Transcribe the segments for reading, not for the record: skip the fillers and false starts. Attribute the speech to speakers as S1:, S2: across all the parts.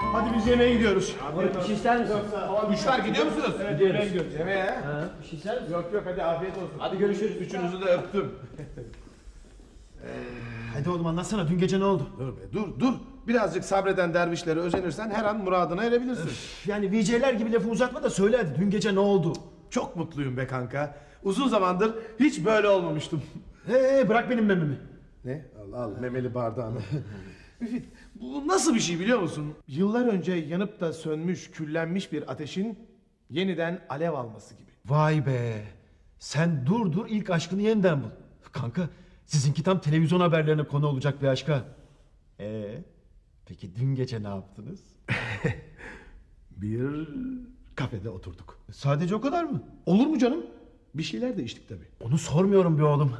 S1: Hadi biz yemeğe gidiyoruz.
S2: Bir şey ister misin?
S3: Kuşlar gidiyor musunuz?
S1: Evet, yemeğe gidiyoruz.
S3: Yemeğe.
S2: Ha, bir şey ister misin?
S1: Yok hadi afiyet olsun.
S3: Hadi görüşürüz. Üçünüzü de öptüm.
S1: Hadi oğlum anlatsana dün gece ne oldu?
S3: Dur be dur. Birazcık sabreden dervişlere özenirsen her an muradına erebilirsin.
S1: Yani VC'ler gibi lafı uzatma da söyle hadi dün gece ne oldu?
S3: Çok mutluyum be kanka. Uzun zamandır hiç böyle olmamıştım.
S1: Bırak benim mememi.
S3: Ne? Al memeli bardağını. Müfit, bu nasıl bir şey biliyor musun? Yıllar önce yanıp da sönmüş, küllenmiş bir ateşin yeniden alev alması gibi.
S1: Vay be. Sen dur ilk aşkını yeniden bul. Kanka sizinki tam televizyon haberlerine konu olacak bir aşka. Peki dün gece ne yaptınız?
S3: Bir kafede oturduk.
S1: Sadece o kadar mı?
S3: Olur mu canım? Bir şeyler de içtik tabii.
S1: Onu sormuyorum be oğlum.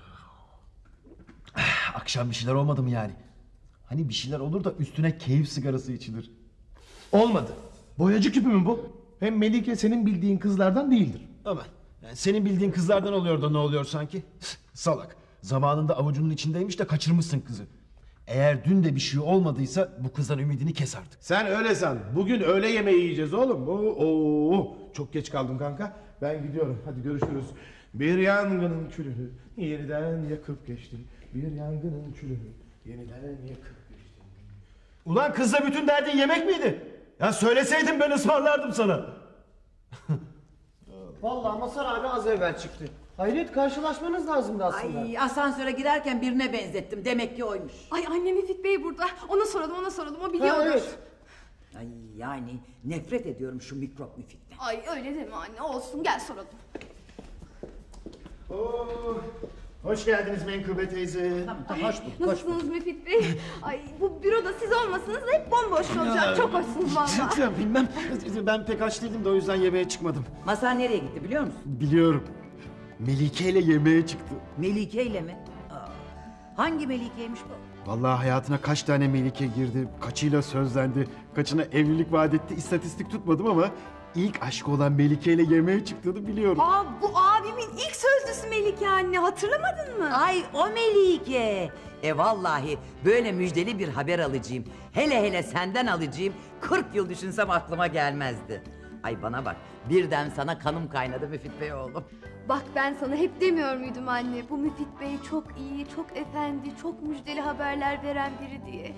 S1: Akşam bir şeyler olmadı mı yani? Hani bir şeyler olur da üstüne keyif sigarası içilir.
S3: Olmadı. Boyacı küpü mü bu? Hem Melike senin bildiğin kızlardan değildir.
S1: Aman yani senin bildiğin kızlardan oluyor da ne oluyor sanki? Salak. Zamanında avucunun içindeymiş de kaçırmışsın kızı. Eğer dün de bir şey olmadıysa bu kızdan ümidini kes artık.
S3: Sen öyle san. Bugün öğle yemeği yiyeceğiz oğlum. Oo, çok geç kaldım kanka. Ben gidiyorum. Hadi görüşürüz. Bir yangının külünü yeniden yakıp geçti. Bir yangının külünü yeniden yakıp geçti.
S1: Ulan kızla bütün derdin yemek miydi? Ya söyleseydin ben ısmarlardım sana.
S2: Vallahi Mazhar abi az evvel çıktı. Hayret karşılaşmanız lazımdı aslında.
S4: Ay asansöre girerken birine benzettim. Demek ki oymuş.
S5: Ay annem Müfit Bey burada. Ona soralım o biliyordur.
S2: Ha, evet.
S4: Ay yani nefret ediyorum şu mikrop Müfit'ten.
S5: Ay öyle deme anne olsun gel soralım.
S1: Hoş geldiniz Menkıbe teyze.
S4: Tamam hoş bulduk.
S5: Nasılsınız Müfit Bey? Ay bu büroda siz olmasanız hep bomboş kalacak. Çok hoşsunuz valla.
S1: Ya bilmem. Ben pek aç değildim de o yüzden yemeğe çıkmadım.
S4: Masar nereye gitti biliyor musun?
S1: Biliyorum. Melike ile yemeğe çıktı.
S4: Melike ile mi? Aa, hangi Melike'ymiş bu?
S1: Vallahi hayatına kaç tane Melike girdi, kaçıyla sözlendi, kaçına evlilik vaat etti, istatistik tutmadım ama ilk aşkı olan Melike ile yemeğe çıktığını biliyorum.
S5: Aa bu abimin ilk sözlüsü Melike anne hatırlamadın mı?
S4: Ay o Melike. Vallahi böyle müjdeli bir haber alacağım. Hele senden alacağım. 40 yıl düşünsem aklıma gelmezdi. Ay bana bak birden sana kanım kaynadı Müfit Bey oğlum.
S5: Bak ben sana hep demiyor muydum anne? Bu Müfit Bey çok iyi, çok efendi, çok müjdeli haberler veren biri diye.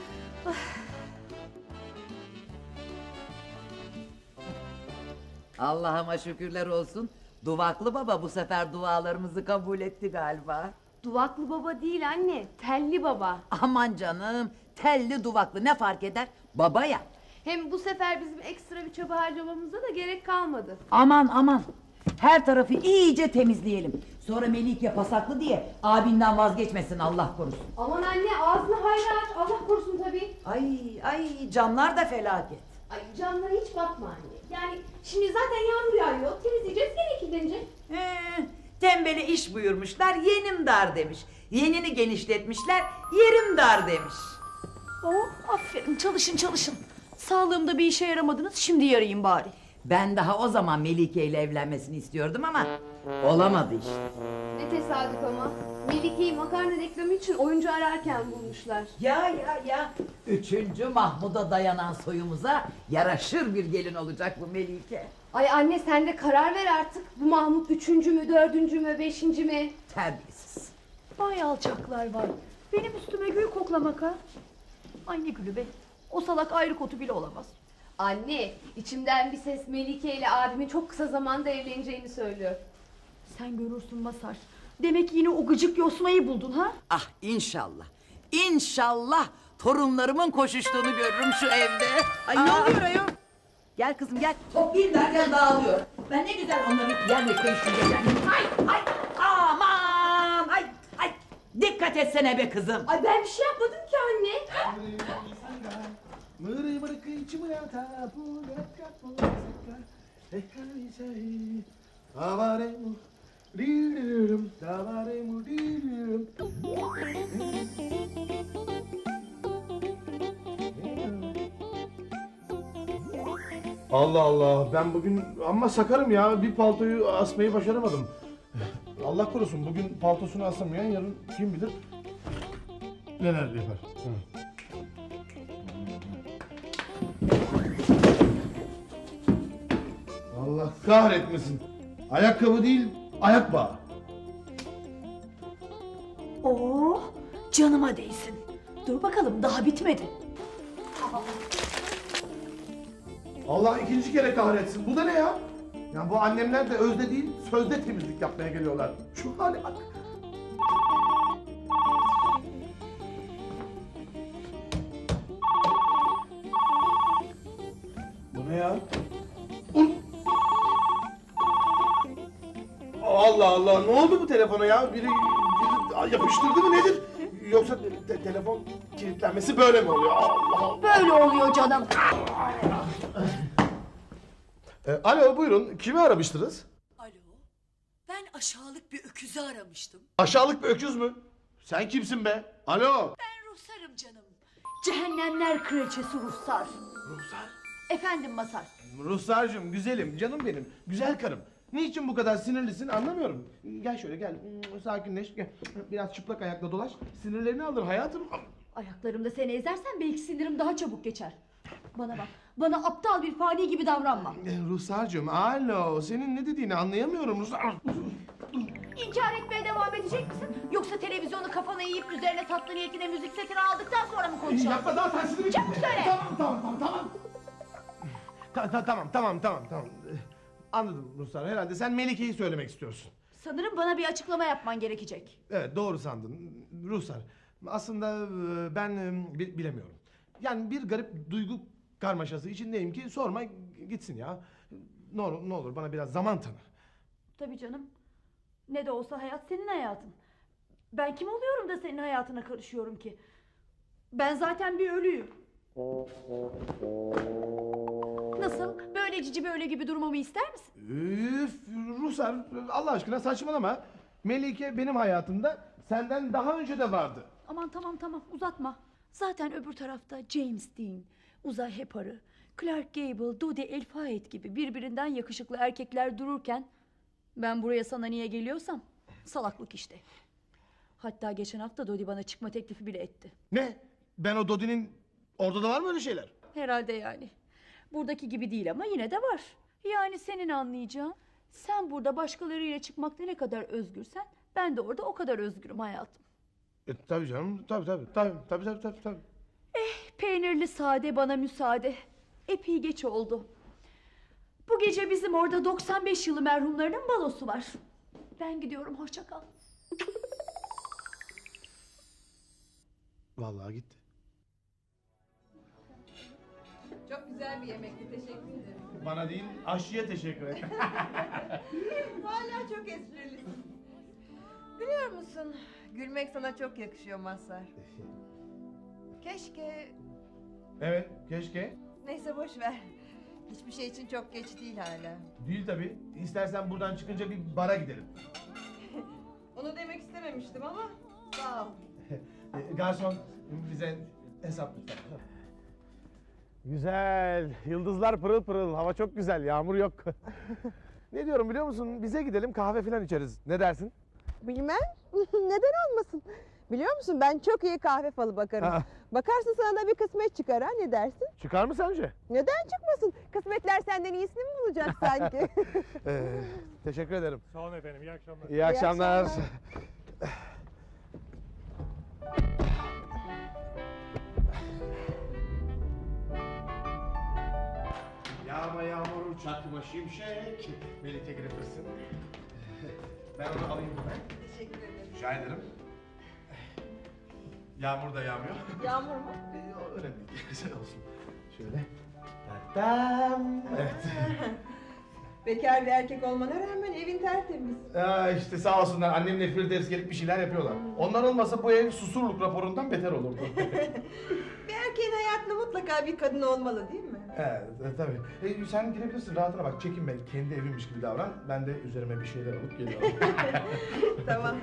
S4: Allah'ıma şükürler olsun. Duvaklı baba bu sefer dualarımızı kabul etti galiba.
S5: Duvaklı baba değil anne, telli baba.
S4: Aman canım telli duvaklı ne fark eder? Baba ya.
S5: Hem bu sefer bizim ekstra bir çaba harcamamıza da gerek kalmadı.
S4: Aman her tarafı iyice temizleyelim. Sonra Melike pasaklı diye abinden vazgeçmesin Allah korusun.
S5: Aman anne ağzını hayra aç, Allah korusun tabii.
S4: Ay camlar da felaket.
S5: Ay camlara hiç bakma anne. Yani şimdi zaten yağmur yağıyor, temizleyeceğiz gene kirlenecek.
S4: Tembele iş buyurmuşlar yenim dar demiş. Yenini genişletmişler yerim dar demiş.
S6: Oh aferin çalışın. Sağlığımda bir işe yaramadınız şimdi yarayayım bari.
S4: Ben daha o zaman Melike ile evlenmesini istiyordum ama olamadı işte.
S5: Ne tesadüf ama. Melike'yi makarna reklamı için oyuncu ararken bulmuşlar.
S4: Ya. 3. Mahmud'a dayanan soyumuza yaraşır bir gelin olacak bu Melike.
S5: Ay anne sen de karar ver artık. Bu Mahmut 3. mü, 4. mü, 5. mi?
S4: Terbiyesiz.
S6: Vay alçaklar var. Benim üstüme gül koklamak ha. Ay ne gülü be. O salak ayrı kotu bile olamaz.
S5: Anne içimden bir ses Melike ile abimin çok kısa zamanda evleneceğini söylüyor.
S6: Sen görürsün Masar. Demek yine o gıcık yosmayı buldun ha?
S4: Ah inşallah. İnşallah torunlarımın koşuştuğunu görürüm şu evde. Ay ne oluyor ayol? Gel kızım gel. Toplayayım derken dağılıyor. Ben ne güzel onları yerleştirmiştim. Ay aman ay. Dikkat etsene be kızım.
S5: Ay ben bir şey yapmadım ki anne.
S3: Allah Allah ben bugün amma sakarım ya bir paltoyu asmayı başaramadım. Allah korusun bugün paltosunu asamayan yarın kim bilir neler yapar. kahretmesin. Ayakkabı değil, ayak bağı.
S6: Oo, canıma değsin. Dur bakalım daha bitmedi.
S3: Allah ikinci kere kahretsin. Bu da ne ya? Ya bu annemler de özde değil, sözde temizlik yapmaya geliyorlar. Şu hale bak. Bu ne ya? Allah Allah, ne oldu bu telefona ya? Biri yapıştırdı mı nedir? Yoksa telefon kilitlenmesi böyle mi oluyor? Allah Allah.
S6: Böyle oluyor canım.
S3: Alo, buyurun. Kimi aramıştınız?
S6: Alo, ben aşağılık bir öküzü aramıştım.
S3: Aşağılık bir öküz mü? Sen kimsin be? Alo.
S6: Ben Ruhsar'ım canım. Cehennemler kraliçesi Ruhsar.
S3: Ruhsar.
S6: Efendim Masar.
S3: Ruhsarcığım, güzelim, canım benim, güzel karım. Niçin bu kadar sinirlisin anlamıyorum. Gel şöyle gel, sakinleş. Gel. Biraz çıplak ayakla dolaş. Sinirlerini alır hayatım.
S6: Ayaklarımda seni ezersen belki sinirim daha çabuk geçer. Bana bak, bana aptal bir fani gibi davranma.
S3: Ruhsarcığım, alo. Senin ne dediğini anlayamıyorum Ruhsar.
S6: İnkar etmeye devam edecek misin? Yoksa televizyonu kafana yiyip üzerine tatlı niyetine müzik setini aldıktan sonra mı konuşalım?
S3: Yapma daha tersini.
S6: Çabuk söyle.
S3: Tamam. Anladım Ruhsar. Herhalde sen Melike'yi söylemek istiyorsun.
S6: Sanırım bana bir açıklama yapman gerekecek.
S3: Evet, doğru sandın Ruhsar. Aslında ben bilemiyorum. Yani bir garip duygu karmaşası içindeyim ki sorma gitsin ya. Ne olur bana biraz zaman tanı.
S6: Tabii canım. Ne de olsa hayat senin hayatın. Ben kim oluyorum da senin hayatına karışıyorum ki? Ben zaten bir ölüyüm. Nasıl? Böyle cici böyle gibi durmamı ister misin?
S3: Üf, Ruhsar Allah aşkına saçmalama. Melike benim hayatımda senden daha önce de vardı.
S6: Aman tamam uzatma. Zaten öbür tarafta James Dean, Uzay Heparı, Clark Gable, Dodi El Fayed gibi birbirinden yakışıklı erkekler dururken ben buraya sana niye geliyorsam salaklık işte. Hatta geçen hafta Dodi bana çıkma teklifi bile etti.
S3: Ne? Ben o Dodi'nin orada da var mı öyle şeyler?
S6: Herhalde yani. Buradaki gibi değil ama yine de var. Yani senin anlayacağın, sen burada başkalarıyla çıkmakta ne kadar özgürsen ben de orada o kadar özgürüm hayatım.
S3: Tabii canım, tabii.
S6: Peynirli sade bana müsaade. Epey geç oldu. Bu gece bizim orada 95 yılı merhumlarının balosu var. Ben gidiyorum, hoşça kal.
S3: Vallahi gitti.
S7: Çok güzel bir yemekti, teşekkür ederim.
S3: Bana değil, aşçıya teşekkür ederim.
S7: Hala çok esprilisin. Biliyor musun, gülmek sana çok yakışıyor Mazhar. Keşke...
S3: Evet, keşke.
S7: Neyse boş ver. Hiçbir şey için çok geç değil hala.
S3: Değil tabii. İstersen buradan çıkınca bir bara gidelim.
S7: Onu demek istememiştim ama sağ ol.
S3: Garson bize hesap lütfen. Güzel. Yıldızlar pırıl pırıl. Hava çok güzel. Yağmur yok. Ne diyorum biliyor musun? Bize gidelim kahve falan içeriz. Ne dersin?
S8: Bilmem. Neden olmasın? Biliyor musun ben çok iyi kahve falı bakarım.
S3: Ha.
S8: Bakarsın sana da bir kısmet çıkar ha, ne dersin?
S3: Çıkar mı sence?
S8: Neden çıkmasın? Kısmetler senden iyisini mi bulacak sanki?
S3: Teşekkür ederim.
S9: Sağ olun efendim, iyi akşamlar.
S3: İyi akşamlar.
S8: akşamlar.
S3: Yağma yağmur, çakma şimşek. Melike Gripper'sın. Ben onu alayım hemen.
S7: Teşekkür ederim.
S3: Rica ederim. Yağmur da yağmıyor.
S7: Yağmur mu?
S3: Önemli değil. Güzel olsun. Şöyle. Tam. Evet.
S7: Bekar bir erkek olmana rağmen evin tertemiz.
S3: İşte sağ olsunlar annemle Firdevs gelip bir şeyler yapıyorlar. Onlar olmasa bu ev susurluk raporundan beter olurdu.
S7: Bir erkeğin hayatında mutlaka bir kadın olmalı değil mi?
S3: Evet, tabii. Sen girebilirsin, rahatına bak. Çekinme, kendi evimmiş gibi davran. Ben de üzerime bir şeyler alıp geliyorum.
S7: Tamam.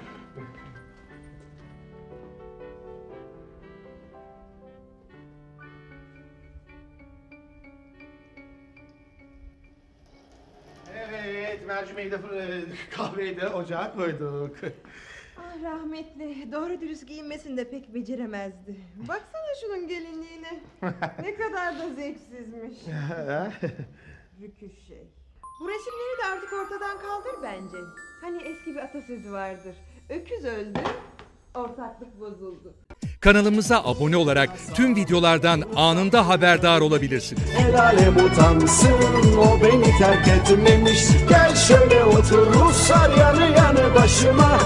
S3: Evet, mercimeği de kahveyi de ocağa koyduk.
S7: Ah rahmetli, doğru dürüst giyinmesini de pek beceremezdi. Baksana şunun gelinliğine. Ne kadar da zevksizmiş. Rüküş şey. Bu resimleri de artık ortadan kaldır bence. Hani eski bir atasözü vardır. Öküz öldü, ortaklık bozuldu.
S9: Kanalımıza abone olarak tüm videolardan anında haberdar olabilirsiniz.
S10: El alem utansın, o beni terk etmemiş. Gel şöyle otur Ruslar yanı yanı başıma.